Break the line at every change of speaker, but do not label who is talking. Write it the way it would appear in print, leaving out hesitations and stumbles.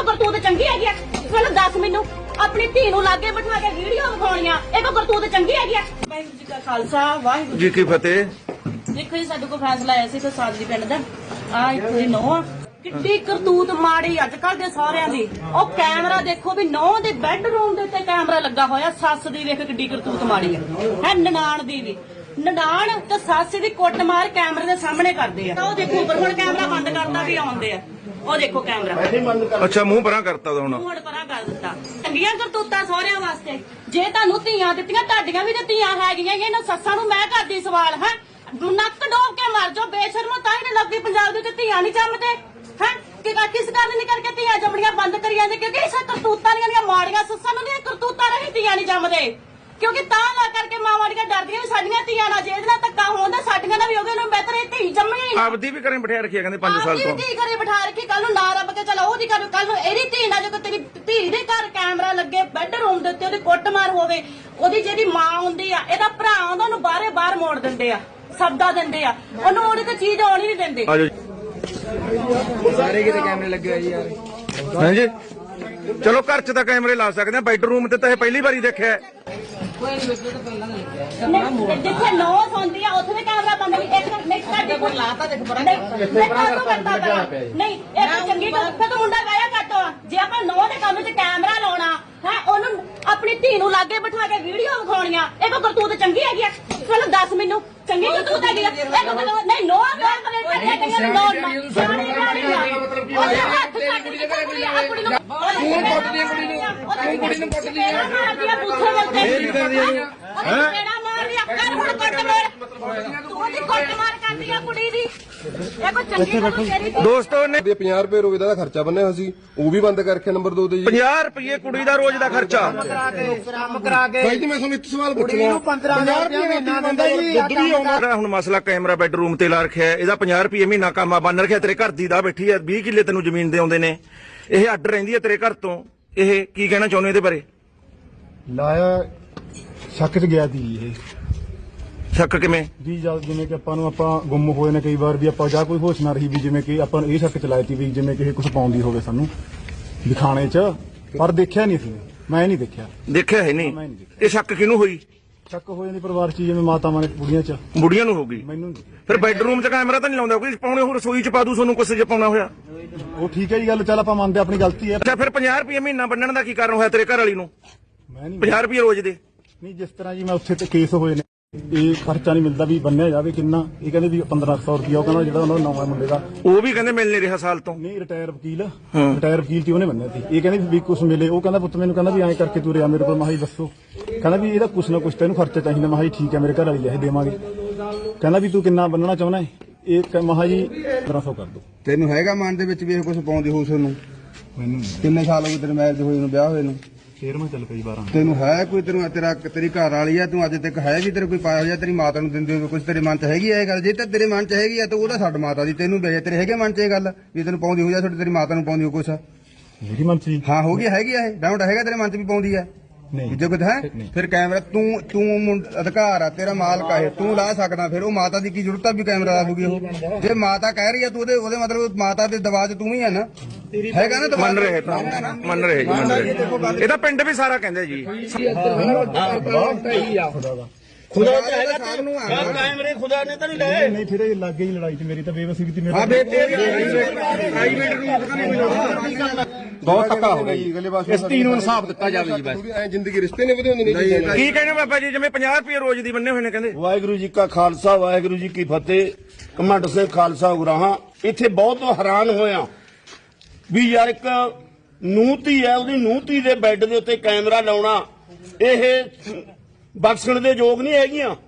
करतूत चंगी है चलो दस मैनू अपनी धी नूं लागे बिठा के वीडियो विखाउणियां एक करतूत चंगी है वाहिगुरू जी का खालसा वाहिगुरू
जी की फतेह।
देखो जी साडे कोल फैसला आया सी कोई सादरी पिंड दा आ इत्थे दी नौं किड्डी करतूत माड़ी अजकल दे सारिਆਂ ਦੀ ਉਹ ਕੈਮਰਾ ਦੇਖੋ ਵੀ ਨੌਂ ਦੇ ਬੈੱਡਰੂਮ ਦੇ ਉੱਤੇ ਕੈਮਰਾ ਲੱਗਾ ਹੋਇਆ ਸੱਸ ਦੀ ਵੇਖ ਕਿੱਡੀ ਕਰਤੂਤ ਮਾੜੀ ਹੈ ਨਨਾਣ ਦੀ ਵੀ ਨਨਾਣ ਤੇ ਸੱਸ ਦੀ ਕੁੱਟਮਾਰ ਕੈਮਰੇ ਦੇ ਸਾਹਮਣੇ ਕਰਦੇ ਆ ਉਹ ਦੇਖੋ ਉੱਪਰ ਹੁਣ ਕੈਮਰਾ ਬੰਦ ਕਰਦਾ ਵੀ ਆਉਂਦੇ ਆ ਉਹ ਦੇਖੋ ਕੈਮਰਾ
ਅੱਛਾ ਮੂੰਹ ਪਰਾਂ ਕਰਤਾ ਹੁਣ
ਮੂੰਹ ਪਰਾਂ ਕਰ ਦਿੱਤਾ ਚੰਗੀਆਂ ਕਰਤੂਤਾਂ ਸਹੁਰਿਆਂ ਵਾਸਤੇ ਜੇ ਤੁਹਾਨੂੰ ਧੀਆਂ ਦਿੱਤੀਆਂ ਤੁਹਾਡੀਆਂ ਵੀ ਤੇ ਧੀਆਂ ਹੈਗੀਆਂ ਇਹਨਾਂ ਸੱਸਾਂ ਨੂੰ ਮੈਂ ਕਰਦੀ ਸਵਾਲ ਹੈ ਨੱਕ ਡੋਬ ਕੇ ਮਰ ਜਾਓ ਬੇਸ਼ਰਮੋ ਤਾਂ ਹੀ ਨਹੀਂ ਲੱਗਦੀ ਪੰਜਾਬ ਦੇ ਵਿੱਚ ਧੀਆਂ ਨਹੀਂ ਜੰਮਦੇ ਹੈ ਕਿ ਕਿਸ ਗੱਲ ਨਹੀਂ ਕਰਕੇ ਧੀਆਂ ਜੰਮਣੀਆਂ ਬੰਦ ਕਰੀ ਜਾਂਦੇ ਕਿਉਂਕਿ ਇਸ ਕਰਤੂਤਾਂ ਦੀਆਂ ਮਾੜੀਆਂ ਸੱਸਾਂ ਨੂੰ ਦੀਆਂ ਕਰਤੂਤਾਂ ਰਹੀ ਧੀਆਂ ਨਹੀਂ ਜੰਮਦੇ ਕਿਉਂਕਿ ਤਾਂ ਲਾ ਕਰਕੇ ਮਾਵਾਂ ਦੀਆਂ ਡਰਦੀਆਂ ਵੀ ਸਾਡੀਆਂ ਧੀਆਂ ਨਾਲ ਜੇ ਇਹਦੇ ਨਾਲ ਧੱਕਾ ਹੁੰਦਾ ਸਾਡੀਆਂ ਨਾਲ ਵੀ ਉਹਦੇ ਨੂੰ ਬਿਹਤਰ ਇਹ ਧੀ ਜੰਮਣੀ
ਆਪਦੀ ਵੀ ਘਰੇ ਬਿਠਾ ਰੱਖਿਆ ਕਹਿੰਦੇ 5 ਸਾਲ ਤੋਂ
ਧੀ ਘਰੇ ਬਿਠਾ ਰੱਖੀ ਕੱਲ ਨੂੰ ਨਾ ਰੱਬ ਕੇ ਚਲਾ ਉਹਦੀ ਕੱਲ ਨੂੰ ਇਹਦੀ ਧੀ ਨਾਲ ਜੇ ਤੇਰੀ ਧੀ ਦੇ ਘਰ ਕੈਮਰਾ ਲੱਗੇ ਬੈੱਡਰੂਮ ਦੇ ਉੱਤੇ ਉਹਦੀ ਕੁੱਟਮਾਰ ਹੋਵੇ ਉਹਦੀ ਜਿਹੜੀ ਮਾਂ ਹੁੰਦੀ ਆ ਇਹਦਾ ਭਰਾ ਆਉਂਦਾ ਉਹਨੂੰ ਬਾਹਰ ਮੋੜ ਦਿੰਦੇ ਆ ਸਬਦਾ ਦਿੰਦੇ ਆ ਉਹਨੂੰ ਉਹਦੇ ਤੇ ਚੀਜ਼ ਆਉਣੀ ਨਹੀਂ ਦਿੰਦੇ
ਸਾਰੇ ਕਿਤੇ ਕੈਮਰੇ ਲੱਗੇ ਹੋਏ ਜੀ ਯਾਰ
ਹਾਂਜੀ ਚਲੋ ਘਰ 'ਚ ਤਾਂ ਕੈਮਰੇ ਲਾ ਸਕਦੇ ਆ ਬੈਡਰੂਮ ਤੇ ਤਾਂ ਇਹ ਪਹਿਲੀ ਵਾਰੀ ਦੇਖਿਆ
ਜਿੱਥੇ ਨੌ ਸੌਂਦੀ ਆ ਉੱਥੇ ਵੀ ਕੈਮਰਾ ਬੰਦ ਇੱਕ ਨਹੀਂ ਸਾਡੇ ਕੋਲ ਲਾਤਾ ਦੇਖ ਬੜਾ ਨਹੀਂ ਇਹ ਚੰਗੀ ਗੱਲ ਫਿਰ ਤਾਂ ਮੁੰਡਾ ਗਾਇਆ ਕੱਟੋ ਜੇ ਆਪਾਂ ਨੌ ਦੇ ਕੰਮ 'ਚ ਕੈਮਰਾ ਲਾਉਣਾ ਹੈ ਉਹਨੂੰ ਆਪਣੀ ਧੀ ਨੂੰ ਲਾਗੇ ਬਿਠਾ ਕੇ ਵੀਡੀਓ ਵਿਖਾਉਣੀਆਂ ਇਹ ਕੋ ਕਰਤੂਤ ਚੰਗੀ ਹੈਗੀ ਆ ਚਲੋ ਦੱਸ ਮੈਨੂੰ ਚੰਗੀ ਕਰਤੂਤ ਹੈਗੀ ਆ ਨਹੀਂ ਨੌ ਗੱਲ ਕਰੇ ਕਰੀਆਂ ਨੌ ਉਹਦੇ ਹੱਥ ਕੱਟ ਕੇ ਕੁੜੀ ਆਪਣੀ ਨੂੰ
ਤੂੰ ਕੁੱਟਦੀ ਕੁੜੀ ਨੂੰ ਕੁੱਟਦੀ
ਮਾਰਦੀਆਂ ਬੂਥੇ ਮਿਲਦੇ ਹੈ ਕਿਹੜਾ ਮਾਰ ਲਿਆ ਕਰ ਹੁਣ ਕੱਟ ਮਾਰ ਤੂੰ ਉਹਦੀ ਕੁੱਟ ਮਾਰ ਕਰਦੀ ਆ ਕੁੜੀ ਦੀ ਇਹ ਕੋ ਚੰਗੀ ਗੱਲ ਤੇਰੀ
ਦੋਸਤੋ ਨੇ
50 ਰੁਪਏ ਰੋਜ਼ ਦਾ ਖਰਚਾ ਬੰਨਿਆ ਹੋਇਆ ਸੀ ਉਹ ਵੀ ਬੰਦ ਕਰਕੇ ਨੰਬਰ 2 ਤੇ ਜੀ
50 ਰੁਪਏ ਕੁੜੀ ਦਾ ਰੋਜ਼ ਦਾ ਖਰਚਾ
ਕੰਮ ਕਰਾ ਕੇ
ਭਾਈ ਜੀ ਮੈਂ ਤੁਹਾਨੂੰ ਇੱਕ ਸਵਾਲ ਪੁੱਛਣਾ
15,000 ਰੁਪਏ ਮਹੀਨਾ ਦਿੰਦਾ ਜੀ
ਹੁਣ ਮਸਲਾ ਕੈਮਰਾ ਬੈਡਰੂਮ ਤੇ ਲਾ ਰੱਖਿਆ ਇਹਦਾ 50 ਰੁਪਏ ਮਹੀਨਾ ਕੰਮ ਬੰਨ ਰੱਖਿਆ ਤੇਰੇ ਘਰ ਦੀ ਦਾ ਬੈਠੀ ਆ 20 ਕਿੱਲੇ ਤੈਨੂੰ ਜ਼ਮੀਨ ਦੇ ਆਉਂਦੇ ਨੇ ਇਹ ਅੱਡ ਰਹਿੰਦੀ ਹੈ ਤੇਰੇ ਘਰ ਤੋਂ ਇਹ ਕੀ ਕਹਿਣਾ ਚਾਹੁੰਦੇ ਇਹਦੇ ਬਾਰੇ
ਲਾਇਆ ਸ਼ੱਕ 'ਚ ਗਿਆ ਸੀ ਇਹ
ਸ਼ੱਕ ਕਿਵੇਂ
ਵੀ ਜਿਵੇਂ ਕਿ ਆਪਾਂ ਗੁੰਮ ਹੋਏ ਨੇ ਕਈ ਵਾਰ ਵੀ ਆਪਾਂ ਜਾਂ ਕੋਈ ਹੋਸ਼ ਨਾ ਰਹੀ ਵੀ ਜਿਵੇਂ ਕਿ ਆਪਾਂ ਨੂੰ ਇਹ ਸ਼ੱਕ ਚਲਾਈ ਤੀ ਵੀ ਜਿਵੇਂ ਕਿ ਕੁਝ ਪਾਉਂਦੀ ਹੋਵੇ ਸਾਨੂੰ ਦਿਖਾਣੇ 'ਚ ਪਰ ਦੇਖਿਆ ਨਹੀਂ ਸੀ ਮੈਂ ਨਹੀਂ ਦੇਖਿਆ
ਹੈ ਨਹੀਂ ਇਹ ਸ਼ੱਕ ਕਿਹਨੂੰ ਹੋਈ
ਸ਼ੱਕ ਹੋ ਜਾਂਦੀ ਪਰਿਵਾਰ 'ਚ ਜਿਵੇਂ ਮਾਤਾਵਾਂ ਨੇ
ਬੁੜੀਆਂ ਨੂੰ ਹੋ ਗਈ
ਮੈਨੂੰ
ਫਿਰ ਬੈਡਰੂਮ 'ਚ ਕੈਮਰਾ ਤਾਂ ਨਹੀਂ ਲਾਉਂਦਾ ਕੋਈ ਪਾਉਣੇ ਹੋਰ ਰਸੋਈ 'ਚ ਪਾ ਦੂ ਤੁਹਾਨੂੰ ਕੁਛ ਜੇ ਪਾਉਣਾ ਹੋਇਆ
ਉਹ ਠੀਕ ਹੈ ਜੀ ਗੱਲ ਚੱਲ ਆਪਾਂ ਮੰਨਦੇ ਆਪਣੀ ਗਲਤੀ ਹੈ
ਅੱਛਾ ਫਿਰ 50 ਰੁਪਏ ਮਹੀਨਾ ਬੰਨਣ ਦਾ ਕੀ ਕਾਰਨ ਹੋਇਆ ਤੇਰੇ ਘਰ ਵਾਲੀ ਨੂੰ
ਮੈਂ ਨਹੀਂ
50 ਰੁਪਏ ਰੋਜ਼ ਦੇ
ਨਹੀਂ ਜਿਸ ਤਰ੍ਹਾਂ ਜੀ ਮੈਂ ਉੱਥੇ ਤੇ ਕੇਸ ਹੋਏ ਨੇ ਇਹ ਖਰਚਾ ਨਹੀਂ ਮਿਲਦਾ ਵੀ ਬੰਨਿਆ ਜਾਵੇ ਕਿੰਨਾ ਇਹ ਕਹਿੰਦੇ ਵੀ 1500 ਰੁਪਇਆ ਉਹ ਕਹਿੰਦਾ ਜਿਹੜਾ ਉਹਨਾਂ ਦਾ ਨਵਾਂ ਮੁੰਡੇ ਦਾ
ਉਹ ਵੀ ਕਹਿੰਦੇ ਮਿਲ ਨਹੀਂ ਰਿਹਾ ਸਾਲ ਤੋਂ
ਨਹੀਂ ਰਿਟਾਇਰ ਵਕੀਲ ਤੇ ਉਹਨੇ ਬੰਨਿਆ ਸੀ ਇਹ ਕਹਿੰਦੇ ਵੀ ਕੁਛ ਮਿਲੇ ਉਹ ਕਹਿੰਦਾ ਪੁੱਤ ਮੈਨੂੰ ਕਹਿੰਦਾ ਵੀ ਐਂ ਕਰਕੇ ਤੂੰ ਰਿਆ ਮੇਰੇ ਕੋਲ ਮਾਹੀ ਦੱਸੋ ਕਹਿੰਦਾ ਵੀ ਇਹਦਾ ਕੁਛ ਨਾ ਕੁਛ ਤੈਨੂੰ ਖਰਚਾ ਚਾਹੀਦਾ ਮਾਹੀ ਠੀਕ ਹੈ ਮੇਰੇ ਘਰ ਵਾਲੀ ਇਹ ਦੇਵਾਂਗੇ ਕਹਿੰਦਾ ਵੀ ਤੂੰ ਕਿੰਨਾ ਬੰਨਣਾ ਚਾਹੁੰਦਾ ਇਹ ਮਹਾ ਜੀ 1500 ਕਰ ਦੋ
ਤੈਨੂੰ ਹੈਗਾ ਮਨ ਦੇ ਵਿੱਚ ਵੀ ਇਹ ਕੁਝ ਪਾਉਂਦੀ ਹੋਸ ਨੂੰ
ਮੈਨੂੰ
ਕਿੰਨੇ ਸਾਲ ਹੋ ਗਏ ਤੇਰੇ ਮੈਰਿਜ ਹੋਏ ਨੂੰ ਵਿਆਹ ਹੋਏ ਨੂੰ
13ਵਾਂ ਚੱਲ ਪਈ 12
ਤੈਨੂੰ ਹੈ ਕੋਈ ਤੇਰੀ ਘਰ ਵਾਲੀ ਆ ਤੂੰ ਅੱਜ ਤੱਕ ਹੈ ਵੀ ਤੇਰੇ ਕੋਈ ਪਾਇਆ ਹੋਇਆ ਤੇਰੀ ਮਾਤਾ ਨੂੰ ਦਿੰਦੇ ਹੋ ਕੁਝ ਤੇਰੇ ਮਨ 'ਚ ਹੈਗੀ ਆ ਇਹ ਗੱਲ ਜੇ ਤਾਂ ਤੇਰੇ ਮਨ 'ਚ ਹੈਗੀ ਆ ਤਾਂ ਉਹਦਾ ਛੱਡ ਮਾਤਾ ਦੀ ਤੈਨੂੰ ਵੇਜੇ ਤੇਰੇ ਹੈਗੇ ਮਨ 'ਚ ਇਹ ਗੱਲ ਵੀ ਤੈਨੂੰ ਪਾਉਂਦੀ ਹੋ ਜਾਂ ਤੇਰੀ ਮਾਤਾ ਨੂੰ ਪਾਉਂਦੀ ਹੋ ਕੁਛ
ਮੇਰੀ ਮਨ ਚ
ਹਾਂ ਹੋ ਗਈ ਹੈਗੀ ਆ ਇਹ ਡਾਊਟ ਹੈਗਾ ਤੇਰੇ ਮਨ 'ਚ ਵੀ ਪਾਉਂਦੀ ਆ
ਨਹੀਂ
ਜੇ ਕੁਝ ਹੈ ਫਿਰ ਕੈਮਰਾ ਤੂੰ ਅਧਿਕਾਰ ਆ ਤੇਰਾ ਮਾਲਕ ਆ ਇਹ ਤੂੰ ਲਾ ਸਕਦਾ ਫਿਰ ਉਹ ਮਾਤਾ ਦੀ ਕੀ ਜ਼ਰੂਰਤ ਆ ਵੀ ਕੈਮਰਾ ਲਾ ਦੂਗੀ ਉਹ ਜੇ ਮਾਤਾ ਕਹਿ ਰਹੀ ਆ ਤੂੰ ਉਹਦੇ ਮਤਲਬ ਮਾਤਾ ਦੇ ਦਬਾਅ 'ਚ ਤੂੰ ਹੀ ਆ ਨਾ ਹੈਗਾ ਨਾ
ਮੰਨ ਰਹੇ ਇਹਦਾ ਪਿੰਡ ਵੀ ਸਾਰਾ ਕਹਿੰਦੇ ਜੀ
ਖੁਦਾ ਤੇ ਹੈਗਾ ਸਭ ਨੂੰ ਆ
ਕੈਮਰੇ ਖੁਦਾ ਨੇ ਤਾਂ ਨਹੀਂ ਲਾਏ
ਨਹੀਂ ਫਿਰ ਇਹ ਲੱਗੇ ਹੀ ਲੜਾਈ 'ਚ ਮੇਰੀ ਤਾਂ ਬੇਵਸੀ ਵੀ
ਆ ਪ੍ਰਾਈਵੇਟ ਰੂਮ
ਬਹੁਤ ਧੱਕਾ ਹੋ ਗਿਆ ਜੀ
ਇਸ ਤੀ ਨੂੰ ਇਨਸਾਫ ਦਿੱਤਾ ਜਾਵੇ ਜੀ ਬਸ
ਐ ਜ਼ਿੰਦਗੀ ਰਿਸ਼ਤੇ ਨੇ ਵਧਾਉਂਦੇ ਨੇ
ਕੀ ਕਹਿੰਦੇ ਬਾਬਾ ਜੀ ਜਿਵੇਂ 50 ਰੁਪਏ ਰੋਜ਼ ਦੀ ਬੰਨੇ ਹੋਏ ਨੇ ਕਹਿੰਦੇ
ਵਾਹਿਗੁਰੂ ਜੀ ਕਾ ਖਾਲਸਾ ਵਾਹਿਗੁਰੂ ਜੀ ਕੀ ਫਤਿਹ ਕਮੰਡ ਸਿੰਘ ਖਾਲਸਾ ਉਗਰਾਹਾਂ ਇੱਥੇ ਬਹੁਤ ਹੈਰਾਨ ਹੋਇਆ ਵੀ ਯਾਰ ਇੱਕ ਨੂੰਹ-ਧੀ ਹੈ ਉਹਦੀ ਨੂੰਹ-ਧੀ ਦੇ ਬੈੱਡ ਦੇ ਉੱਤੇ ਕੈਮਰਾ ਲਾਉਣਾ ਇਹ ਬਖਸ਼ਣ ਦੇ ਯੋਗ ਨਹੀਂ ਹੈਗੀਆਂ